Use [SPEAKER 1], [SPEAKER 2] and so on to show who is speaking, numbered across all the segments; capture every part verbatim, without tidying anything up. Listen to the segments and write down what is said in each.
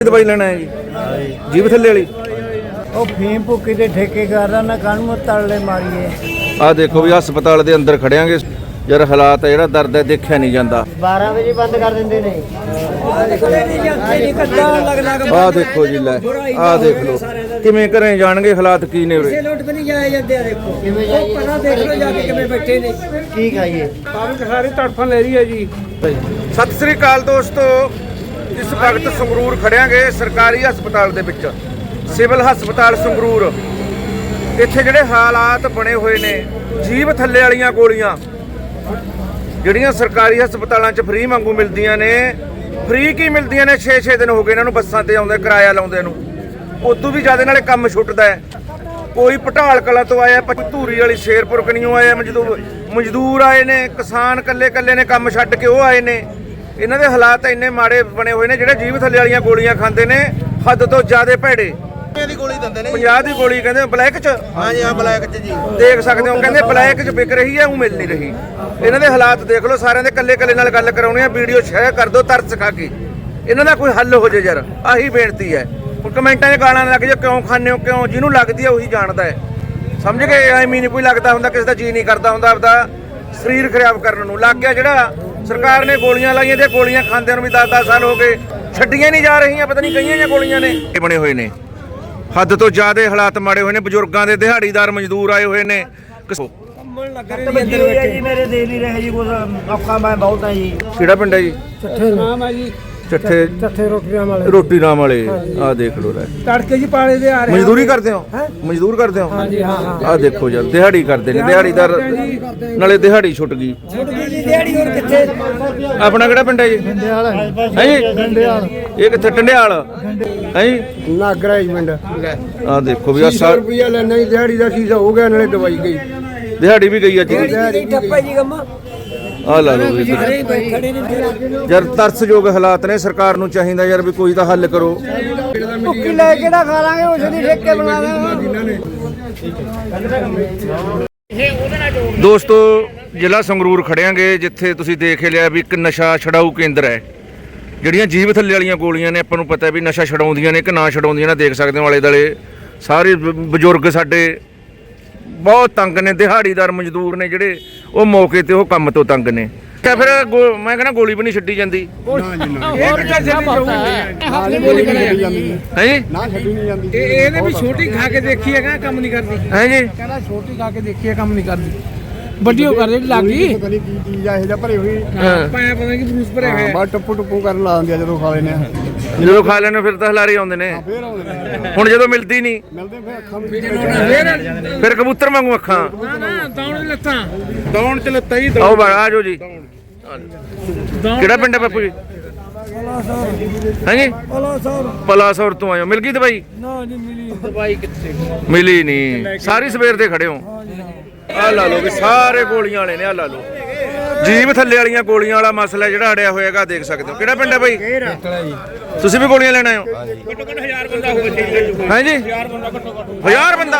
[SPEAKER 1] दवाई लेना है जी जीभ थल्ले वाली
[SPEAKER 2] फीम भुक्की के ठेकेदार ना कण तले मारीए
[SPEAKER 1] आ देखो भी हस्पताल के अंदर खड़ियांगे यार हालात है दर्द है देखा नहीं जाता
[SPEAKER 2] बारह बजे बंद कर देंगे ने
[SPEAKER 1] आ देखो जी लै आ देख लो किवें घरें जाणगे हालात की ने
[SPEAKER 2] सारी तड़फन ले रही है जी।
[SPEAKER 1] सत श्री अकाल दोस्तों इस वक्त संगरूर खड़ियांगे सरकारी हस्पताल दे विच सिविल हस्पताल संगरूर इत्थे जिहड़े हालात बने हुए ने जीभ थल्ले वालियां गोलियां ਜਿਹੜੀਆਂ ਸਰਕਾਰੀ ਹਸਪਤਾਲਾਂ 'ਚ ਫ੍ਰੀ ਵਾਂਗੂ ਮਿਲਦੀਆਂ ਨੇ ਫ੍ਰੀ ਕੀ ਮਿਲਦੀਆਂ ਨੇ ਛੇ ਛੇ ਦਿਨ ਹੋ ਗਏ ਇਹਨਾਂ ਨੂੰ ਬੱਸਾਂ ਤੇ ਆਉਂਦੇ ਕਿਰਾਇਆ ਲਾਉਂਦੇ ਨੂੰ ਉਦੋਂ ਵੀ ਜ਼ਿਆਦਾ ਨਾਲੇ ਕੰਮ ਛੁੱਟਦਾ ਹੈ। ਕੋਈ ਪਟਾਲ ਕਲਾ ਤੋਂ ਆਇਆ ਧੂਰੀ ਵਾਲੀ ਸ਼ੇਰਪੁਰ ਕਨੀਓ ਆਇਆ ਮਜ਼ਦੂਰ ਮਜ਼ਦੂਰ ਆਏ ਨੇ ਕਿਸਾਨ ਕੱਲੇ ਕੱਲੇ ਨੇ ਕੰਮ ਛੱਡ ਕੇ ਉਹ ਆਏ ਨੇ। ਇਹਨਾਂ ਦੇ ਹਾਲਾਤ ਇੰਨੇ ਮਾੜੇ ਬਣੇ ਹੋਏ ਨੇ ਜਿਹੜੇ ਜੀਭ ਥੱਲੇ ਵਾਲੀਆਂ ਗੋਲੀਆਂ ਖਾਂਦੇ ਨੇ ਹੱਦ ਤੋਂ ਜ਼ਿਆਦਾ ਭੈੜੇ
[SPEAKER 3] ਦੀ ਗੋਲੀ ਦਿੰਦੇ ਨੇ
[SPEAKER 1] ਪੰਜਾਹ ਦੀ ਗੋਲੀ ਕਹਿੰਦੇ ਬਲੈਕ 'ਚ
[SPEAKER 3] ਹਾਂਜੀ ਹਾਂ ਬਲੈਕ 'ਚ ਜੀ
[SPEAKER 1] ਦੇਖ ਸਕਦੇ ਹੋ ਕਹਿੰਦੇ ਬਲੈਕ 'ਚ ਵਿਕ ਰਹੀ ਹੈ ਉਹ ਮਿਲ ਨਹੀਂ ਰਹੀ। ਇਹਨਾਂ ਦੇ ਹਾਲਾਤ ਦੇਖ ਲਓ ਸਾਰਿਆਂ ਦੇ ਕੱਲੇ ਕੱਲੇ ਨਾਲ ਗੱਲ ਕਰਾਉਣੀ ਆ ਵੀਡੀਓ ਸ਼ੇਅਰ ਕਰ ਦਿਓ ਤਰਸ ਖਾ ਕੇ ਇਹਨਾਂ ਦਾ ਕੋਈ ਹੱਲ ਹੋ ਜੇ ਯਾਰ ਆਹੀ ਬੇਨਤੀ ਹੈ। ਹੁਣ ਕਮੈਂਟਾਂ 'ਚ ਗਾਲਾਂ ਲੱਗ ਜਾ ਕਿਉਂ ਖਾਂਦੇ ਹੋ ਕਿਉਂ ਜਿਹਨੂੰ ਲੱਗਦੀ ਹੈ ਉਹੀ ਜਾਣਦਾ ਹੈ ਸਮਝ ਗਏ ਐਵੇਂ ਨਹੀਂ ਕੋਈ ਲੱਗਦਾ ਹੁੰਦਾ ਕਿਸੇ ਦਾ ਜੀ ਨਹੀਂ ਕਰਦਾ ਹੁੰਦਾ ਆਪਦਾ ਸਰੀਰ ਖਰਾਬ ਕਰਨ ਨੂੰ ਲੱਗ ਗਿਆ ਜਿਹੜਾ ਸਰਕਾਰ ਨੇ ਗੋਲੀਆਂ ਲਾਈਆਂ ਤੇ ਗੋਲੀਆਂ ਖਾਂਦਿਆਂ ਨੂੰ ਵੀ ਦਸ ਦਸ ਸਾਲ ਹੋ ਗਏ ਛੱਡੀਆਂ ਨਹੀਂ ਜਾ ਰਹੀਆਂ ਪਤਾ ਨਹੀਂ ਕਈਆਂ ਜਾਂ ਗੋਲੀਆਂ ਨੇ ਇਹ ਬਣੇ ਹੋਏ ਨੇ ਹੱਦ ਤੋਂ ਜ਼ਿਆਦਾ ਹਾਲਾਤ ਮਾੜੇ ਹੋਏ ਨੇ ਬਜ਼ੁਰਗਾਂ ਦੇ ਦਿਹਾੜੀਦਾਰ ਮਜ਼ਦੂਰ ਆਏ ਹੋਏ ਨੇ
[SPEAKER 2] मेरे दे नहीं रहे जी औखा मैं बहुत है जी
[SPEAKER 1] ਕਿਹੜਾ ਪਿੰਡ ਹੈ ਜੀ
[SPEAKER 2] नाम है जी
[SPEAKER 1] ਚੱਠੇ
[SPEAKER 2] ਚੱਠੇ ਰੋਟੀਆਂ ਵਾਲੇ
[SPEAKER 1] ਰੋਟੀ ਨਾਮ ਵਾਲੇ ਆਹ ਦੇਖ ਲੋ ਲੈ
[SPEAKER 2] ਤੜਕੇ ਜੀ ਪਾਲੇ ਦੇ ਆ ਰਹੇ
[SPEAKER 1] ਮਜ਼ਦੂਰੀ ਕਰਦੇ ਹੋ ਮਜ਼ਦੂਰ ਕਰਦੇ ਹੋ
[SPEAKER 2] ਹਾਂਜੀ ਹਾਂ ਹਾਂ
[SPEAKER 1] ਆਹ ਦੇਖੋ ਯਾਰ ਦਿਹਾੜੀ ਕਰਦੇ ਨੇ ਦਿਹਾੜੀਦਾਰ ਨਾਲੇ ਦਿਹਾੜੀ ਛੁੱਟ ਗਈ
[SPEAKER 2] ਛੁੱਟ ਗਈ ਜੀ ਦਿਹਾੜੀ ਹੋਰ ਕਿੱਥੇ
[SPEAKER 1] ਆਪਣਾ ਕਿਹੜਾ ਪਿੰਡ ਹੈ ਜੀ
[SPEAKER 2] ਡੰਡਿਆਲ
[SPEAKER 1] ਹੈ ਜੀ
[SPEAKER 2] ਡੰਡਿਆਲ
[SPEAKER 1] ਇਹ ਕਿੱਥੇ ਟੰਡਿਆਲ ਹੈ ਜੀ
[SPEAKER 2] ਨਾਗਰਾ ਜੀ ਪਿੰਡ
[SPEAKER 1] ਆਹ ਦੇਖੋ ਵੀ ਆ
[SPEAKER 2] ਸੌ ਰੁਪਿਆ ਲੈਣਾ ਜੀ ਦਿਹਾੜੀ ਦਾ ਸੀਜ਼ਾ ਹੋ ਗਿਆ ਨਾਲੇ ਦਵਾਈ ਗਈ
[SPEAKER 1] ਦਿਹਾੜੀ ਵੀ ਗਈ ਅੱਜ
[SPEAKER 2] ਦਿਹਾੜੀ ਟੱਪਾ ਜੀ ਕੰਮਾ
[SPEAKER 1] ਆ ਲਾ ਲਓ ਵੀ ਯਾਰ ਤਰਸਯੋਗ ਹਾਲਾਤ ਨੇ ਸਰਕਾਰ ਨੂੰ ਚਾਹੀਦਾ ਯਾਰ ਵੀ ਕੋਈ ਤਾਂ ਹੱਲ ਕਰੋ
[SPEAKER 2] ਭੁੱਕੀ ਲੈ ਕਿਹੜਾ ਖਾ ਲਾਂਗੇ ਉਸ ਦੀ ਠੇਕੇ ਬਣਾ ਲਾਂਗੇ।
[SPEAKER 1] ਦੋਸਤੋ ਜ਼ਿਲ੍ਹਾ ਸੰਗਰੂਰ ਖੜਿਆਂਗੇ ਜਿੱਥੇ ਤੁਸੀਂ ਦੇਖ ਲਿਆ ਵੀ ਇੱਕ ਨਸ਼ਾ ਛਡਾਊ ਕੇਂਦਰ ਹੈ। ਜਿਹੜੀਆਂ ਜੀਭ ਥੱਲੇ ਵਾਲੀਆਂ ਗੋਲੀਆਂ ਨੇ ਆਪਾਂ ਨੂੰ ਪਤਾ ਵੀ ਨਸ਼ਾ ਛਡਾਉਂਦੀਆਂ ਨੇ ਕਿ ਨਾ ਛਡਾਉਂਦੀਆਂ ਨੇ ਦੇਖ ਸਕਦੇ ਹੋ ਆਲੇ ਦੁਆਲੇ ਸਾਰੇ ਬਜ਼ੁਰਗ ਸਾਡੇ ਬਹੁਤ ਤੰਗ ਨੇ ਦਿਹਾੜੀਦਾਰ ਮਜ਼ਦੂਰ ਨੇ ਜਿਹੜੇ ਉਹ ਮੌਕੇ ਤੇ ਉਹ ਕੰਮ ਤੋਂ ਤੰਗ ਨੇ ਤੇ ਫਿਰ ਮੈਂ ਕਹਿੰਦਾ ਗੋਲੀ ਵੀ ਨਹੀਂ ਛੱਡੀ ਜਾਂਦੀ ਹੈ ਜੀ
[SPEAKER 2] ਇਹਨੇ ਵੀ ਛੋਟੀ ਖਾ ਕੇ ਦੇਖੀ ਹੈ ਕੰਮ ਨਹੀਂ ਕਰਦੀ
[SPEAKER 1] ਹੈ ਜੀ
[SPEAKER 2] ਕਹਿੰਦਾ ਛੋਟੀ ਖਾ ਕੇ ਦੇਖੀ ਹੈ ਕੰਮ ਨਹੀਂ ਕਰਦੀ ਵੱਡੀ ਹੋ ਕਰਦੇ ਲੱਗੀ ਪਤਾ ਨਹੀਂ ਕੀ ਚੀਜ਼ ਆ ਇਹ ਜਿਹਾ ਭਰੀ ਹੋਈ ਪਾਇਆ ਪਤਾ ਨਹੀਂ ਕਿ ਬਰੂਸ ਭਰੇ ਹੋਏ ਬਾ ਟੱਪੂ ਟੱਪੂ ਕਰਨ ਲਾ ਦਿੰਦੇ ਜਦੋਂ ਖਾ ਲੈਨੇ
[SPEAKER 1] ਜਦੋਂ ਖਾ ਲੈਣੇ ਫਿਰ ਤਾਂ ਹਲਾਰੇ ਆਉਂਦੇ ਨੇ
[SPEAKER 2] ਫੇਰ ਆਉਂਦੇ ਨੇ
[SPEAKER 1] ਹੁਣ ਜਦੋਂ ਮਿਲਦੀ ਨਹੀਂ
[SPEAKER 2] ਮਿਲਦੇ ਫਿਰ ਅੱਖਾਂ ਵਿੱਚ
[SPEAKER 1] ਫਿਰ ਕਬੂਤਰ ਵਾਂਗੂ ਅੱਖਾਂ
[SPEAKER 2] ਨਾ ਨਾ ਦੌਣ ਲੱਤਾਂ ਦੌਣ ਚ ਲੱਤਾਂ ਹੀ
[SPEAKER 1] ਆਓ ਬਾ ਆ ਜਾਓ ਜੀ ਕਿਹੜਾ ਪਿੰਡ ਹੈ ਬਾਪੂ ਜੀ ਹਾਂਜੀ ਪਲਾਸੌਰ ਤੋਂ ਆਇਓ ਮਿਲ ਗਈ ਦਵਾਈ
[SPEAKER 2] ਨਾ ਨਹੀਂ ਮਿਲੀ ਦਵਾਈ ਕਿੱਥੇ
[SPEAKER 1] ਮਿਲੀ ਨਹੀਂ ਸਾਰੀ ਸਵੇਰ ਦੇ ਖੜੇ ਹੋ ਆ ਲਾ ਲਓ ਵੀ ਸਾਰੇ ਗੋਲੀਆਂ ਵਾਲੇ ਨੇ ਆ ਲਾ ਲਓ ਜੀਭ ਥੱਲੇ ਵਾਲੀਆਂ ਗੋਲੀਆਂ ਵਾਲਾ ਮਸਲਾ ਜਿਹੜਾ ਅੜਿਆ ਹੋਏਗਾ ਦੇਖ ਸਕਦੇ ਹੋ ਕਿਹੜਾ ਪਿੰਡ ਹੈ ਬਾਈ ਤੁਸੀਂ ਵੀ ਗੋਲੀਆਂ ਲੈਣ ਆਏ ਹੋ ਘੱਟੋ ਘੱਟ ਹਜ਼ਾਰ ਬੰਦਾ ਹੋਵੇ ਹੈ ਜੀ ਹਜ਼ਾਰ ਬੰਦਾ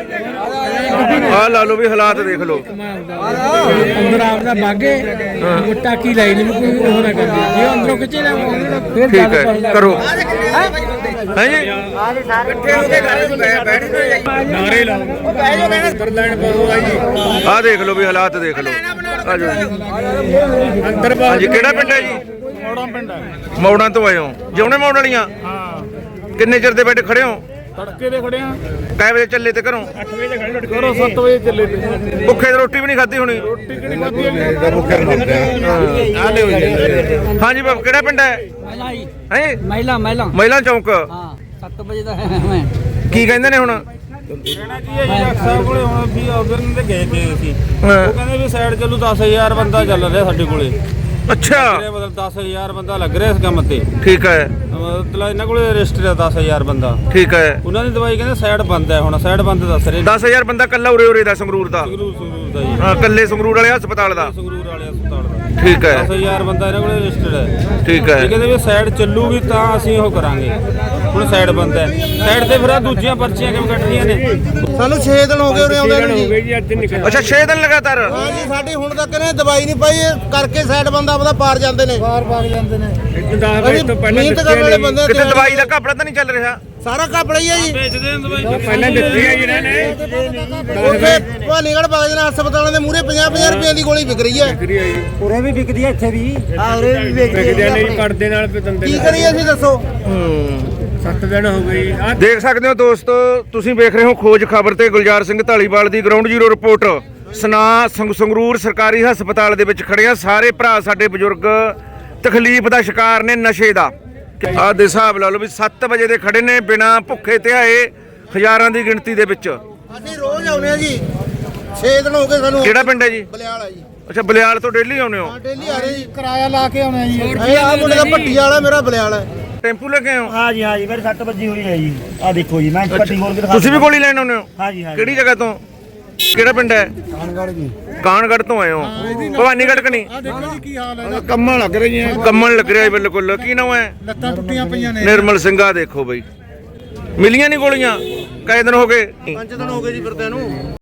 [SPEAKER 1] ਆ ਲਾ ਲਓ ਵੀ ਹਾਲਾਤ ਦੇਖ ਲਓ
[SPEAKER 2] ਅੰਦਰ ਆਪਦਾ ਬਾਗੇ ਮੁੱਟਾ ਕੀ ਲਾਈ ਨਹੀਂ ਕੋਈ ਉਹ ਨਾ ਕਰਦੇ ਜੇ ਅੰਦਰੋਂ ਖਿੱਚੇ ਲੈ ਫਿਰ
[SPEAKER 1] ਠੀਕ ਹੈ ਕਰੋ ਹੈ ਜੀ
[SPEAKER 3] ਇਕੱਠੇ ਹੋ ਕੇ ਘਰੇ ਬੈਠ ਨਾਰੇ ਲਾਓ ਬਹਿ ਜਾਓ ਕਹਿੰਦਾ ਅੰਦਰ ਲਾਈਨ ਪਾਓ ਜੀ
[SPEAKER 1] ਆ ਦੇਖ ਲਓ ਵੀ ਹਾਲਾਤ ਦੇਖ ਲਓ ਆ ਜਾਓ
[SPEAKER 3] ਅੰਦਰ
[SPEAKER 1] ਹਾਂਜੀ ਕਿਹੜਾ ਪਿੰਡ ਹੈ ਜੀ
[SPEAKER 3] ਮੋੜਾਂ ਪਿੰਡ ਹੈ
[SPEAKER 1] ਮੌੜਾਂ ਤੋਂ ਆਏ ਹੋ ਜਿਉਣੇ ਮੌੜ ਵਾਲੀਆਂ
[SPEAKER 3] ਹਾਂ
[SPEAKER 1] ਕਿੰਨੇ ਚਿਰ ਦੇ ਬੈਠੇ ਖੜੇ ਹੋ
[SPEAKER 3] ਤੜਕੇ ਦੇ ਖੜੇ ਆ
[SPEAKER 1] ਕਾਹ ਵਜੇ ਚੱਲੇ ਤੇ ਘਰੋਂ
[SPEAKER 3] ਅੱਠ ਵਜੇ ਖੜੇ ਲੜਕੇ ਘਰੋਂ ਸੱਤ ਵਜੇ ਚੱਲੇ ਤੇ
[SPEAKER 1] ਭੁੱਖੇ ਰੋਟੀ ਵੀ ਨਹੀਂ ਖਾਧੀ ਹੋਣੀ
[SPEAKER 3] ਰੋਟੀ ਕਿਹੜੀ ਖਾਧੀ ਹੈ ਆ ਲੈ ਹੋ
[SPEAKER 1] ਹਾਂਜੀ ਬਾਬ ਕਿਹੜਾ ਪਿੰਡ ਹੈ ਹੈ
[SPEAKER 2] ਮਹਿਲਾ ਮਹਿਲਾ
[SPEAKER 1] ਮਹਿਲਾ ਚੌਂਕ
[SPEAKER 2] ਹਾਂ ਸੱਤ ਵਜੇ ਦਾ ਹੈ ਮੈਂ
[SPEAKER 1] ਕੀ ਕਹਿੰਦੇ ਨੇ ਹੁਣ
[SPEAKER 3] ਕਹਿਣਾ ਕੀ ਹੈ ਜੀ ਡਾਕਟਰ ਸਾਹਿਬ ਕੋਲੇ ਹੁਣ ਵੀ ਆਰਡਰ ਤੇ ਗਏ ਤੇ ਅਸੀਂ ਉਹ ਕਹਿੰਦੇ ਵੀ ਸਾਈਡ ਚੱਲੂ ਦਸ ਹਜ਼ਾਰ ਬੰਦਾ ਚੱਲ ਰਿਹਾ ਸਾਡੇ ਕੋਲੇ
[SPEAKER 1] ਅੱਛਾ
[SPEAKER 3] ਮਤਲਬ ਦਸ ਹਜ਼ਾਰ ਬੰਦਾ ਲੱਗ ਰਿਹਾ ਇਸ ਕੰਮ ਤੇ
[SPEAKER 1] ਠੀਕ ਹੈ
[SPEAKER 3] ਮਤਲਬ ਇਹਨਾਂ ਕੋਲੇ ਰਜਿਸਟਰ ਹੈ ਦਸ ਹਜ਼ਾਰ ਬੰਦਾ
[SPEAKER 1] ਠੀਕ ਹੈ
[SPEAKER 3] ਉਹਨਾਂ ਦੀ ਦਵਾਈ ਕਹਿੰਦੇ ਸਾਈਡ ਬੰਦ ਹੈ ਹੁਣ ਸਾਈਡ ਬੰਦ ਦੱਸ ਰਹੇ
[SPEAKER 1] ਦਸ ਹਜ਼ਾਰ ਬੰਦਾ ਕੱਲਾ ਉਰੇ ਉਰੇ ਦਾ ਸੰਗਰੂਰ ਦਾ
[SPEAKER 3] ਸੰਗਰੂਰ ਸੰਗਰੂਰ ਦਾ ਜੀ
[SPEAKER 1] ਹਾਂ ਕੱਲੇ ਸੰਗਰੂਰ ਵਾਲੇ ਹਸਪਤਾਲ ਦਾ
[SPEAKER 3] ਸੰਗਰੂਰ ਵਾਲੇ ਹਸਪਤਾਲ ਦਾ
[SPEAKER 1] ਠੀਕ ਹੈ
[SPEAKER 3] ਦਸ ਹਜ਼ਾਰ ਬੰਦਾ ਇਹਨਾਂ ਕੋਲ ਰਜਿਸਟਰਡ ਹੈ।
[SPEAKER 1] ਠੀਕ
[SPEAKER 3] ਇਹ
[SPEAKER 1] ਹੈ
[SPEAKER 3] ਕਹਿੰਦੇ ਵੀ ਸਾਈਡ ਚੱਲੂਗੀ ਤਾਂ ਅਸੀਂ ਉਹ ਕਰਾਂਗੇ। ਹੁਣ ਸਾਈਡ ਬੰਦ ਹੈ, ਸਾਈਡ ਤੇ ਫਿਰ ਆਹ ਦੂਜੀਆਂ ਪਰਚੀਆਂ ਕਿਵੇਂ ਕੱਟਣੀਆਂ ਨੇ?
[SPEAKER 4] ਸਾਨੂੰ ਛੇ ਦਿਨ ਹੋ ਗਏ ਉਰੇ ਆਉਂਦੇ ਨੂੰ ਜੀ।
[SPEAKER 1] ਅੱਛਾ ਛੇ ਦਿਨ ਲਗਾਤਾਰ
[SPEAKER 4] ਹਾਂ ਜੀ, ਸਾਡੀ ਹੁਣ ਤੱਕ ਨੇ ਦਵਾਈ ਨਹੀਂ ਪਾਈ, ਇਹ ਕਰਕੇ ਸਾਈਡ ਬੰਦਾ ਆਪਦਾ ਪਾਰ ਜਾਂਦੇ ਨੇ, ਪਾਰ ਪਾਰ ਜਾਂਦੇ ਨੇ। ਅਸੀਂ ਮਿਹਨਤ ਕਰਨ ਵਾਲੇ ਬੰਦੇ
[SPEAKER 1] ਕਿਤੇ ਦਵਾਈ ਦਾ ਘਪਲਾ ਤਾਂ ਨਹੀਂ ਚੱਲ ਰਿਹਾ?
[SPEAKER 4] ਸਾਰਾ ਘਪਲਾ ਹੀ ਹੈ ਜੀ।
[SPEAKER 3] ਵੇਚਦੇ ਨੇ ਦਵਾਈ
[SPEAKER 2] ਪਹਿਲਾਂ ਦਿੱਤੀ ਹੈ ਜਿਹਨਾਂ ਨੇ
[SPEAKER 4] ਉੱਥੇ ਭਾਨੀਗੜ੍ਹ ਬਾਗਜਨ ਹਸਪਤਾਲਾਂ ਦੇ ਮੂਹਰੇ ਪੰਜਾਹ ਪੰਜਾਹ ਰੁਪਏ ਦੀ ਗੋਲੀ ਵਿਕ ਰਹੀ ਹੈ।
[SPEAKER 5] ਉਰੇ ਵੀ ਵਿਕਦੀ ਹੈ, ਇੱਥੇ ਵੀ ਹਾਂ ਉਰੇ ਵੀ ਵਿਕਦੀ ਹੈ।
[SPEAKER 2] ਪਰਦੇ ਨਾਲ ਦੰਦੇ
[SPEAKER 4] ਕੀ ਕਰੀਏ ਅਸੀਂ ਦੱਸੋ?
[SPEAKER 2] ਸੱਤ ਦਿਨ ਹੋ ਗਏ ਆ।
[SPEAKER 1] ਦੇਖ ਸਕਦੇ ਹੋ ਦੋਸਤੋ, ਤੁਸੀਂ ਵੇਖ ਰਹੇ ਹੋ ਖੋਜ ਖਬਰ ਤੇ ਗੁਲਜ਼ਾਰ ਸਿੰਘ ਢਾਲੀਵਾਲ ਦੀ ਗਰਾਊਂਡ ਜ਼ੀਰੋ ਰਿਪੋਰਟ। ਸਨਾ ਸੰਗ- ਸੰਗਰੂਰ ਸਰਕਾਰੀ ਹਸਪਤਾਲ ਦੇ ਵਿੱਚ ਖੜੇ ਆ ਸਾਰੇ ਭਰਾ ਸਾਡੇ ਬਜ਼ੁਰਗ ਤਕਲੀਫ ਦਾ ਸ਼ਿਕਾਰ ਨੇ ਨਸ਼ੇ ਦਾ। ਆਹ ਦੇ ਹਿਸਾਬ ਲਾ ਲਓ ਵੀ ਸੱਤ ਵਜੇ ਦੇ ਖੜੇ ਨੇ ਬਿਨਾ ਭੁੱਖੇ ਧਿਆਏ ਹਜ਼ਾਰਾਂ ਦੀ ਗਿਣਤੀ ਦੇ ਵਿੱਚ।
[SPEAKER 4] ਅਸੀਂ ਰੋਜ਼ ਆਉਨੇ ਆ ਜੀ, ਛੇ ਦਿਨ ਹੋ ਗਏ ਸਾਨੂੰ।
[SPEAKER 1] ਕਿਹੜਾ ਪਿੰਡ ਹੈ ਜੀ?
[SPEAKER 4] ਬਲਿਆਲ ਆ ਜੀ।
[SPEAKER 1] ਅੱਛਾ ਬਲਿਆਲ ਤੋਂ ਡੇਲੀ ਆਉਂਦੇ ਹੋ?
[SPEAKER 4] ਹਾਂ ਡੇਲੀ ਆ ਰਹੇ ਜੀ।
[SPEAKER 2] ਕਿਰਾਇਆ ਲਾ ਕੇ ਆਉਣਾ ਜੀ।
[SPEAKER 4] ਇਹ ਆ ਮੁੰਡੇ ਦਾ ਭੱਟੀ ਵਾਲਾ, ਮੇਰਾ ਬਲਿਆਲ ਹੈ।
[SPEAKER 1] ਟੈਂਪੂ ਲੈ ਕੇ ਆਏ ਹੋ?
[SPEAKER 5] ਹਾਂ ਜੀ ਹਾਂ ਜੀ, ਮੇਰੇ ਸੱਟ ਵੱਜੀ ਹੋਈ ਹੈ ਜੀ। ਆ ਦੇਖੋ ਜੀ, ਮੈਂ ਪੱਟੀ ਖੋਲ ਕੇ ਦਿਖਾ
[SPEAKER 1] ਤੁਸੀਂ ਵੀ ਗੋਲੀ ਲੈਣ ਆਉਂਦੇ ਹੋ?
[SPEAKER 5] ਹਾਂ ਜੀ ਹਾਂ ਜੀ।
[SPEAKER 1] ਕਿਹੜੀ ਜਗ੍ਹਾ ਤੋਂ? ਕਿਹੜਾ ਪਿੰਡ ਹੈ?
[SPEAKER 2] ਕਾਨਗੜ ਜੀ।
[SPEAKER 1] ਕਾਨਗੜ ਤੋਂ ਆਏ ਹੋ? ਭਵਾਨੀਗੜ੍ਹ ਕਨੀ?
[SPEAKER 2] ਆ ਦੇਖੋ ਜੀ ਕੀ ਹਾਲ ਹੈ। ਕੰਮਾਂ ਲੱਗ ਰਹੀਆਂ,
[SPEAKER 1] ਕੰਮਣ ਲੱਗ ਰਿਹਾ ਬਿਲਕੁਲ। ਕੀ ਨਾਮ ਹੈ?
[SPEAKER 2] ਲੱਤਾਂ ਟੁੱਟੀਆਂ ਪਈਆਂ ਨੇ।
[SPEAKER 1] ਨਿਰਮਲ ਸਿੰਘਾ ਦੇਖੋ ਬਈ, ਮਿਲੀਆਂ ਨਹੀਂ ਗੋਲੀਆਂ? ਕਈ ਦਿਨ ਹੋ ਗਏ?
[SPEAKER 4] ਪੰਜ ਦਿਨ ਹੋ ਗਏ ਜੀ ਫਿਰਦਿਆਂ ਨੂੰ।